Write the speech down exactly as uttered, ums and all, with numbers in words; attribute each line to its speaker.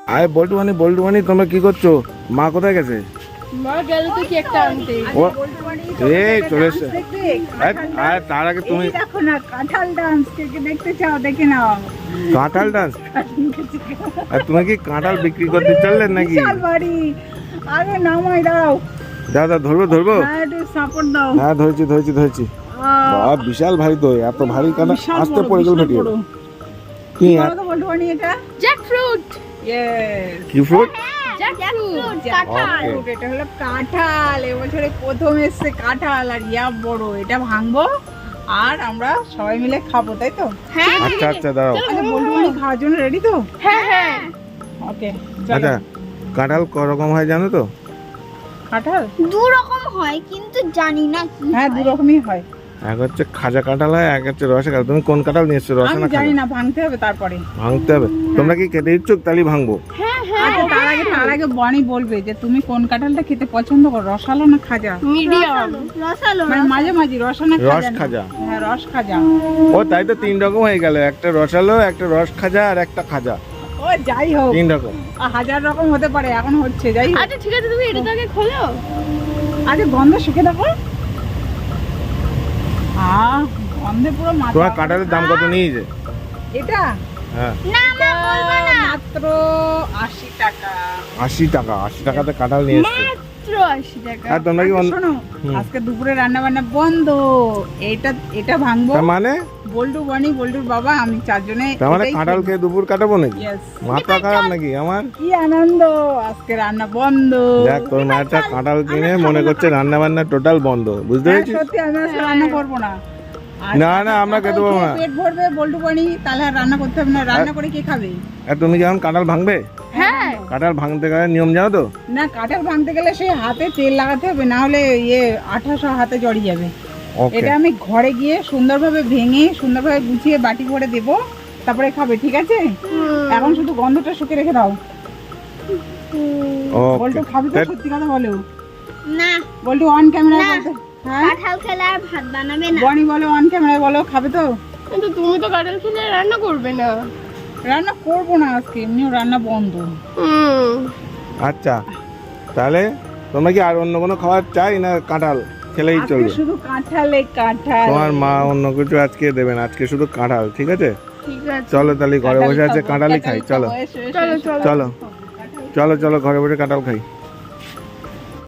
Speaker 1: আয় বল্টু মানি বল্টু মানি তোমরা কি করছো? মা কোথায় গেছে?
Speaker 2: মা গেল তো কি একটা আনতে।
Speaker 1: ও এই চলে এসছে। আয় তার আগে তুমি
Speaker 3: দেখো না কাঁঠাল ডান্স, কে কে দেখতে চাও দেখে নাও।
Speaker 1: কাঁঠাল ডান্স? আর তুমি কি কাঁঠাল বিক্রি করতে চললেন নাকি?
Speaker 3: বিশাল বাড়ি, আরে নামাই দাঁড়াও।
Speaker 1: দাদা ধরবো ধরবো?
Speaker 3: হ্যাঁ একটু সাপোর্ট দাও।
Speaker 1: হ্যাঁ ধরছি ধরছি ধরছি। বাহ বিশাল ভারী তো, এত ভারী কাঁঠাল
Speaker 3: বিশাল
Speaker 1: আস্তে
Speaker 3: বড়,
Speaker 1: পড়ে গেল
Speaker 3: বিশাল
Speaker 1: ফেটে
Speaker 3: বড়।
Speaker 1: কি
Speaker 3: কি
Speaker 1: আর
Speaker 3: বলো তো বল্টু বানি এটা?
Speaker 2: জ্যাকফ্রুট।
Speaker 3: ইয়েস,
Speaker 1: কি ফ্রুট?
Speaker 2: জ্যাকফ্রুট
Speaker 3: কাঁঠাল। এটা হলো কাঁঠাল, এবছরে প্রথম এসছে কাঁঠাল, আর ইয়া বড়। এটা ভাঙবো আর আমরা সবাই মিলে খাবো, তাই তো?
Speaker 2: হ্যাঁ
Speaker 1: আচ্ছা আচ্ছা দাঁড়াও।
Speaker 3: আচ্ছা বল্টু বানি খাওয়ার জন্য রেডি তো?
Speaker 2: হ্যাঁ হ্যাঁ।
Speaker 3: ওকে
Speaker 1: আচ্ছা কাঁঠাল ক রকম হয় জানো তো?
Speaker 3: কাঁঠাল
Speaker 4: দু রকম হয় কিন্তু জানি না কি
Speaker 3: হ্যাঁ দু রকমই হয়।
Speaker 1: এক হচ্ছে খাজা কাঁঠাল হয়, এক হচ্ছে রসা কাঁঠাল। তুমি কোন কাঁঠাল নিয়ে এসছো, রসা
Speaker 3: আমি
Speaker 1: না
Speaker 3: জানি
Speaker 1: খাজা?
Speaker 3: না, ভাঙতে হবে তারপরে।
Speaker 1: ভাঙতে হবে? তোমরা কি খেতে ইচ্ছুক? তাহলে ভাঙবো।
Speaker 3: আচ্ছা তার আগে তার আগে বনি বলবে যে তুমি কোন কাঁঠালটা খেতে পছন্দ করো, রসালো না খাজা?
Speaker 2: মিডিয়াম।
Speaker 4: রসালো
Speaker 3: মানে মাঝে মাঝে রসা না
Speaker 1: রস
Speaker 3: খাজা? না?
Speaker 1: খাজা।
Speaker 3: হ্যাঁ রস খাজা।
Speaker 1: ও তাই তো তিন রকম হয়ে গেল, একটা রসালো, একটা রস খাজা আর একটা খাজা।
Speaker 3: ও যাই হোক,
Speaker 1: তিন রকম।
Speaker 3: আ, হাজার রকম হতে পারে, এখন হচ্ছে। যাই হোক,
Speaker 2: আচ্ছা ঠিক আছে, তুমি এটা আগে খোলো।
Speaker 3: আগে গন্ধ শিখে দেখো। আহ গন্ধে পুরো মাথা।
Speaker 1: তোমার কাঁঠালের দাম কত নিয়েছে?
Speaker 3: এটা
Speaker 1: হ্যাঁ
Speaker 3: এটা মাত্র আশি টাকা।
Speaker 1: আশি টাকা। আশি টাকাতে কাঁঠাল নিয়ে এসছে।
Speaker 2: মাত্র আশি টাকা।
Speaker 1: আর তোমরা কি
Speaker 3: আচ্ছা,
Speaker 1: অন্য-
Speaker 3: শোনো
Speaker 1: হুম।
Speaker 3: আজকে দুপুরে রান্না বান্না বন্ধ। এটা এটা ভাঙবো।
Speaker 1: তার মানে
Speaker 3: বল্টু বনি বল্টুর বাবা আমি চারজনে
Speaker 1: তার মানে
Speaker 3: এটাই
Speaker 1: কাঁঠাল
Speaker 3: খেয়ে-
Speaker 1: খেয়ে দুপুর কাটাবো নাকি?
Speaker 3: Yes.
Speaker 1: মাথা খারাপ নাকি আমার?
Speaker 3: কি আনন্দ, আজকে রান্না বন্ধ।
Speaker 1: দেখ তোর মায়েরটা কাঁঠাল কিনে মনে করছে রান্না বান্না টোটাল বন্ধ, বুঝতে
Speaker 3: হ্যাঁ,
Speaker 1: পেরেছিস?
Speaker 3: সত্যি আমি আজকে রান্না করবো না। আর
Speaker 1: না, না, আমরা খেতে পারবো না।
Speaker 3: পেট ভরবে বল্টু বনি, তাহলে আর রান্না করতে হবে না। রান্না করে কে খাবে?
Speaker 1: আর তুমি কি এখন কাঁঠাল ভাঙবে?
Speaker 2: হ্যাঁ
Speaker 1: কাঁঠাল ভাঙতে গেলে নিয়ম জানো তো?
Speaker 3: না কাঁঠাল ভাঙতে গেলে সেই হাতে তেল লাগাতে হবে, না হলে ইয়ে আঠাশো হাতে জড়িয়ে যাবে।
Speaker 1: ওকে
Speaker 3: এটা আমি ঘরে গিয়ে সুন্দরভাবে ভেঙে সুন্দরভাবে গুছিয়ে বাটি ভরে দেবো, তারপরে খাবে, ঠিক আছে? এখন শুধু গন্ধটা শুকে রেখে দাও। বল্টু খাবি তো?
Speaker 1: ওকে
Speaker 3: সত্যি কথা বলো
Speaker 4: না
Speaker 3: বল্টু, অন ক্যামেরায়
Speaker 4: না।
Speaker 3: বলতে। হ্যাঁ
Speaker 4: কাঁঠাল খেলে আর ভাত বানাবে না।
Speaker 3: বনি বলো, অন ক্যামেরায় বলো, খাবে তো?
Speaker 2: কিন্তু তুমি তো কাঁঠাল খেলে রান্না করবে না।
Speaker 3: রান্না করবো না আজকে, এমনিও রান্না বন্ধ।
Speaker 2: হুম।
Speaker 1: আচ্ছা তাহলে তোমরা কি আর অন্য কোনো খাবার চাই না কাঁঠাল খেলেই
Speaker 3: আজকে
Speaker 1: চলবে?
Speaker 3: শুধু কাঁঠালে কাঁঠাল।
Speaker 1: তোমার মা অন্য কিছু আজকে দেবেন, আজকে শুধু কাঁঠাল, ঠিক আছে?
Speaker 2: ঠিক আছে।
Speaker 1: চলো তাহলে ঘরে বসে আছে
Speaker 3: খাবো,
Speaker 1: কাঁঠালই খাই,
Speaker 3: কাঁঠাল
Speaker 1: চলো
Speaker 3: খাবো, এসো, এসো,
Speaker 2: চলো
Speaker 3: এসো।
Speaker 2: চলো।
Speaker 1: চলো চলো চলো ঘরে বসে কাঁঠাল খাই।